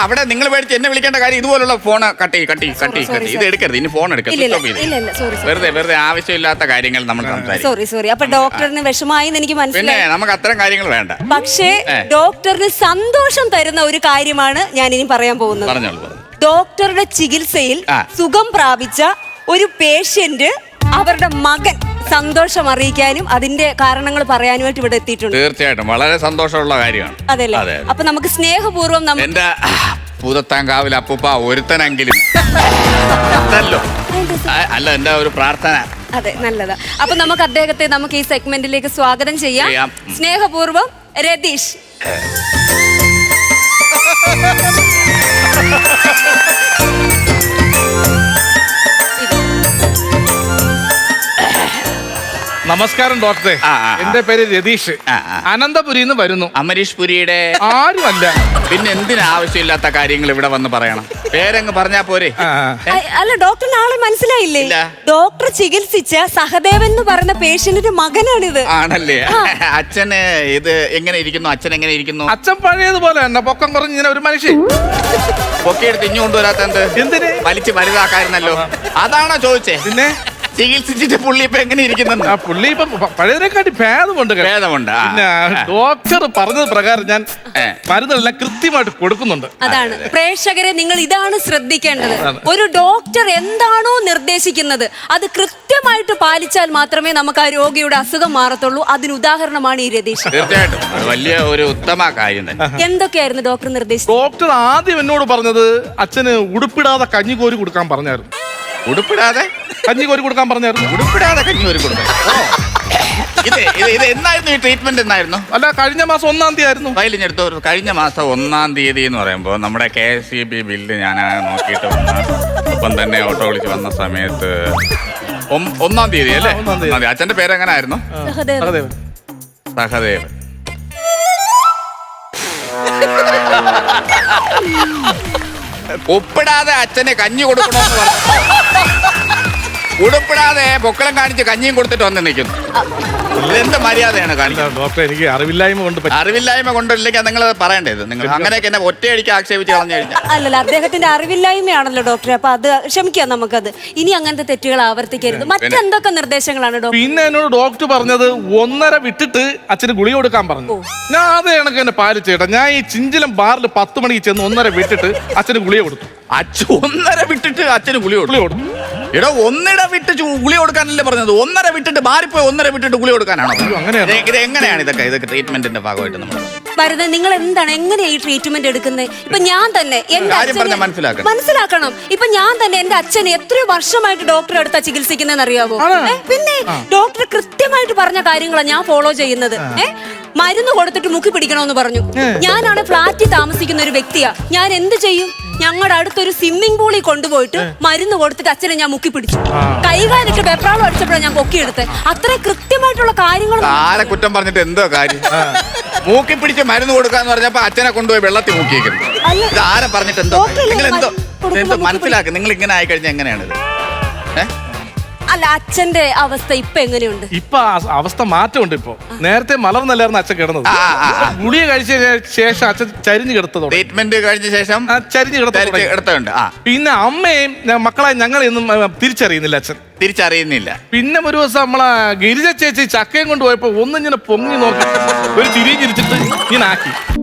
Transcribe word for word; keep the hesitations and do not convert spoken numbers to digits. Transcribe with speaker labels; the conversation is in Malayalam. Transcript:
Speaker 1: അവിടെ നിങ്ങൾ മേടിച്ച് എന്നെ വിളിക്കേണ്ട കാര്യം ഇതുപോലുള്ള ഫോൺ കട്ടി കട്ടി കട്ടി കട്ടി ഇത് എടുക്കരുത്. ഇനി ഫോൺ എടുക്കരുത്. വെറുതെ വെറുതെ ആവശ്യമില്ലാത്ത കാര്യങ്ങൾ നമ്മൾ സംസാരിക്കും.
Speaker 2: സോറി സോറി അപ്പൊ ഡോക്ടറിന് വിഷമായി എനിക്ക്
Speaker 1: പിന്നെ
Speaker 2: മനസ്സിലായി.
Speaker 1: നമുക്ക് അത്തരം കാര്യങ്ങൾ വേണ്ട.
Speaker 2: പക്ഷേ ഡോക്ടറിന് സന്തോഷം തരുന്ന ഒരു കാര്യമാണ് ഞാൻ ഇനി പറയാൻ പോകുന്നത്.
Speaker 1: പറഞ്ഞോളൂ.
Speaker 2: ഡോക്ടറുടെ ചികിത്സയിൽ സുഖം പ്രാപിച്ച ഒരു പേഷ്യന്റ് അവരുടെ മകൻ സന്തോഷം അറിയിക്കാനും അതിന്റെ കാരണങ്ങൾ പറയാനുമായിട്ട് ഇവിടെ എത്തിയിട്ടുണ്ട്.
Speaker 1: തീർച്ചയായിട്ടും വളരെ സന്തോഷമുള്ള കാര്യമാണ്.
Speaker 2: അതല്ലേ? അപ്പൊ നമുക്ക് സ്നേഹപൂർവ്വം
Speaker 1: എന്റെ പൂതത്താങ്കാവിൽ അപ്പൂപ്പ ഒരുത്തനെങ്കിലും അല്ല എന്റെ ഒരു പ്രാർത്ഥന.
Speaker 2: അതെ, നല്ലതാ. അപ്പൊ നമുക്ക് അദ്ദേഹത്തെ നമുക്ക് ഈ സെഗ്മെന്റിലേക്ക് സ്വാഗതം ചെയ്യാം. സ്നേഹപൂർവ്വം രതീഷ്.
Speaker 3: നമസ്കാരം ഡോക്ടറെ. എന്റെ പേര് രതീഷ്. അനന്തപുരിന്ന് വരുന്നു.
Speaker 1: അമരീഷ് പുരിയുടെ
Speaker 3: ആരുമല്ല.
Speaker 1: പിന്നെ എന്തിനാ ആവശ്യമില്ലാത്ത കാര്യങ്ങൾ ഇവിടെ വന്ന് പറയണം? പേരങ്ങ് പറഞ്ഞാ പോരെ?
Speaker 2: അല്ല, ഡോക്ടറിന് ആളെ മനസ്സിലായില്ലേ? ഡോക്ടർ ചികിത്സിച്ച സഹദേവൻ എന്ന് പറയുന്ന പേഷ്യന്റിന്റെ മകനാണിത്.
Speaker 1: ആണല്ലേ? അച്ഛന് ഇത് എങ്ങനെ ഇരിക്കുന്നു? അച്ഛൻ എങ്ങനെ ഇരിക്കുന്നു?
Speaker 3: അച്ഛൻ പഴയതുപോലെ തന്നെ പൊക്കം കുറഞ്ഞ് ഇങ്ങനെ ഒരു മനുഷ്യൻ.
Speaker 1: പൊക്കിയെടുത്ത് ഇഞ്ഞു കൊണ്ടുവരാത്ത എന്ത്?
Speaker 3: എന്തിന്?
Speaker 1: വലിച്ച് വലുതാക്കായിരുന്നല്ലോ. അതാണോ ചോദിച്ചേ?
Speaker 3: പിന്നെ
Speaker 1: ചികിത്സിച്ചിട്ട് പുള്ളി ഇപ്പൊ എങ്ങനെ ഇരിക്കുന്നു?
Speaker 3: ആ പുള്ളി ഇപ്പൊ പഴയതിനെക്കാട്ടി ഭേദമുണ്ട്.
Speaker 1: ഭേദമുണ്ട്.
Speaker 3: പിന്നെ ഡോക്ടർ പറഞ്ഞത് പ്രകാരം ഞാൻ മരുന്നെല്ലാം കൃത്യമായിട്ട് കൊടുക്കുന്നുണ്ട്.
Speaker 2: അതാണ് പ്രേക്ഷകരെ, നിങ്ങൾ ഇതാണ് ശ്രദ്ധിക്കേണ്ടത്. ഒരു ഡോക്ടർ എന്താണോ നിർദ്ദേശിക്കുന്നത് അത് കൃത്യമായിട്ട് പാലിച്ചാൽ മാത്രമേ നമുക്ക് ആ രോഗിയുടെ അസുഖം മാറത്തുള്ളൂ. അതിന് ഉദാഹരണമാണ് ഈ രതീഷ്.
Speaker 1: തീർച്ചയായിട്ടും വലിയ ഒരു ഉത്തമ കാര്യം തന്നെ.
Speaker 2: എന്തൊക്കെയായിരുന്നു ഡോക്ടർ നിർദ്ദേശിച്ചത്?
Speaker 3: ഡോക്ടർ ആദ്യം എന്നോട് പറഞ്ഞത് അച്ഛന് ഉടുപ്പിടാതെ കഞ്ഞി കോരി കൊടുക്കാൻ പറഞ്ഞായിരുന്നു.
Speaker 1: ഉടുപ്പിടാതെ
Speaker 3: കഞ്ഞി കോരി കൊടുക്കാൻ പറഞ്ഞായിരുന്നു.
Speaker 1: ഉടുപ്പിടാതെ കഞ്ഞി കോരി കൊടുക്കാൻ. ഇത് ഇത് എന്നായിരുന്നു ഈ ട്രീറ്റ്മെന്റ്? എന്നായിരുന്നു?
Speaker 3: അല്ല, കഴിഞ്ഞ മാസം ഒന്നാം തീയതി ആയിരുന്നു.
Speaker 1: ഫയലിഞ്ഞെടുത്ത കഴിഞ്ഞ മാസം ഒന്നാം തീയതി എന്ന് പറയുമ്പോൾ നമ്മുടെ K S E B bill ഞാൻ നോക്കിയിട്ട് വന്ന ഇപ്പം തന്നെ ഓട്ടോ വിളിച്ച് വന്ന സമയത്ത് ഒന്നാം തീയതി അല്ലേ? ഒന്നാം തീയതി. അച്ഛന്റെ പേര് എങ്ങനെ ആയിരുന്നു?
Speaker 3: സഹദേവൻ.
Speaker 1: സഹദേവൻ. ഉപ്പിടാതെ അച്ഛന് കഞ്ഞി കൊടുക്കണമെന്ന് പറഞ്ഞു. ഉടുപ്പിടാതെ പൊക്കളം കാണിച്ച് കഞ്ഞിയും കൊടുത്തിട്ട് വന്ന് നിൽക്കുന്നു. എന്ത് മര്യാദയാണ് കാണിക്കുന്നത്?
Speaker 3: ഡോക്ടർ, എനിക്ക് അറിവില്ലായ്മ കൊണ്ട്.
Speaker 1: അറിവില്ലായ്മ കൊണ്ടില്ലെങ്കിൽ നിങ്ങൾ പറയേണ്ടത്. നിങ്ങൾ അങ്ങനെയൊക്കെ എന്നെ ഒറ്റയടിക്ക് ആക്ഷേപിച്ച് കളഞ്ഞു കഴിഞ്ഞാൽ.
Speaker 2: അല്ലല്ല, അദ്ദേഹത്തിന്റെ അറിവില്ലായ്മയാണല്ലോ ഡോക്ടറെ. അപ്പൊ അത് ക്ഷമിക്കാം നമുക്കത്. ഇനി അങ്ങനത്തെ തെറ്റുകൾ ആവർത്തിക്കരുത്. മറ്റെന്തൊക്കെ നിർദ്ദേശങ്ങളാണ് ഡോക്ടർ?
Speaker 3: പിന്നെ എന്നോട് ഡോക്ടർ പറഞ്ഞത് ഒന്നര വിട്ടിട്ട് അച്ഛന് ഗുളിക കൊടുക്കാൻ പറഞ്ഞു. ഞാൻ അതേ കണക്ക് എന്നെ പാലിച്ചേട്ടാ. ഞാൻ ഈ ചിഞ്ചിലം ബാറിൽ പത്ത് മണിക്ക് ചെന്ന് ഒന്നര വിട്ടിട്ട് അച്ഛന് ഗുളിക കൊടുത്തു.
Speaker 1: അച്ഛൻ ഒന്നര വിട്ടിട്ട് അച്ഛന് ഗുളി കൊടുത്തു. എടോ, ഒന്നിട വിട്ട് ഗുളി കൊടുക്കാനല്ലേ പറഞ്ഞത്? ഒന്നര വിട്ടിട്ട് മാറിപ്പോയി ഒന്നര വിട്ടിട്ട് ഗുളി കൊടുക്കാനാണോ? ഇത് എങ്ങനെയാണ് ഇതൊക്കെ? ഇതൊക്കെ ട്രീറ്റ്മെന്റിന്റെ ഭാഗമായിട്ട് നമ്മൾ
Speaker 2: വരുന്നത്. നിങ്ങൾ എന്താണ് എങ്ങനെയാ ഈ ട്രീറ്റ്മെന്റ് എടുക്കുന്നത്? ഇപ്പൊ ഞാൻ തന്നെ എന്റെ അച്ഛനെ മനസ്സിലാക്കണം. ഇപ്പൊ ഞാൻ തന്നെ എന്റെ അച്ഛനെ എത്രയോ വർഷമായിട്ട് ഡോക്ടറെ അടുത്താ ചികിത്സിക്കുന്നതെന്ന് അറിയാവോ? പിന്നെ ഡോക്ടർ കൃത്യമായിട്ട് പറഞ്ഞ കാര്യങ്ങളാണ് ഞാൻ ഫോളോ ചെയ്യുന്നത്. ഏഹ് മരുന്ന് കൊടുത്തിട്ട് മുക്കി പിടിക്കണമെന്ന് പറഞ്ഞു. ഞാനാണ് ഫ്ലാറ്റിൽ താമസിക്കുന്ന ഒരു വ്യക്തിയാ. ഞാൻ എന്ത് ചെയ്യും? ഞങ്ങളുടെ അടുത്തൊരു സ്വിമ്മിംഗ് പൂളിൽ കൊണ്ടുപോയിട്ട് മരുന്ന് കൊടുത്തിട്ട് അച്ഛനെ ഞാൻ മുക്കി പിടിച്ചു. കൈകാലിട്ട് വെപ്രാളം അടിച്ചപ്പോഴാണ് ഞാൻ പൊക്കിയെടുത്തത്. അത്ര കൃത്യമായിട്ടുള്ള കാര്യങ്ങൾ.
Speaker 1: ആരെ കുറ്റം പറഞ്ഞിട്ട് എന്തോ കാര്യം? മൂക്കി പിടിച്ച് മരുന്ന് കൊടുക്കാന്ന് പറഞ്ഞപ്പോ അച്ഛനെ കൊണ്ടുപോയി വെള്ളത്തിൽ മുക്കിയേക്കുന്നു. ഇത് ആരെ പറഞ്ഞിട്ട് എന്തോ? നിങ്ങൾ എന്തോ എന്തോ മനസ്സിലാക്കുക. നിങ്ങൾ ഇങ്ങനെ ആയിക്കഴിഞ്ഞാൽ എങ്ങനെയാണിത്? ഏഹ്
Speaker 2: അല്ല, അച്ഛന്റെ അവസ്ഥ ഇപ്പൊ എങ്ങനെയുണ്ട്?
Speaker 3: ഇപ്പൊ അവസ്ഥ മാറ്റമുണ്ട്. ഇപ്പൊ നേരത്തെ മലർന്നല്ലായിരുന്നു അച്ഛൻ കിടന്നത്. ഗുളിക കഴിച്ച ശേഷം അച്ഛൻ ചരിഞ്ഞു കിടത്തതോ.
Speaker 1: ട്രീറ്റ്മെന്റ് കഴിഞ്ഞ ശേഷം
Speaker 3: ചരിഞ്ഞു കിടത്തുണ്ട്. പിന്നെ അമ്മയും മക്കളെ ഞങ്ങളെയൊന്നും തിരിച്ചറിയുന്നില്ല അച്ഛൻ.
Speaker 1: തിരിച്ചറിയുന്നില്ല.
Speaker 3: പിന്നെ ഒരു ദിവസം നമ്മളെ ഗിരിജ ചേച്ചി ചക്കയും കൊണ്ട് പോയപ്പോ ഒന്നിങ്ങനെ പൊങ്ങി നോക്കി ഒരു തിരിഞ്ഞിരിച്ചിട്ട് ഇങ്ങനെ ആക്കി.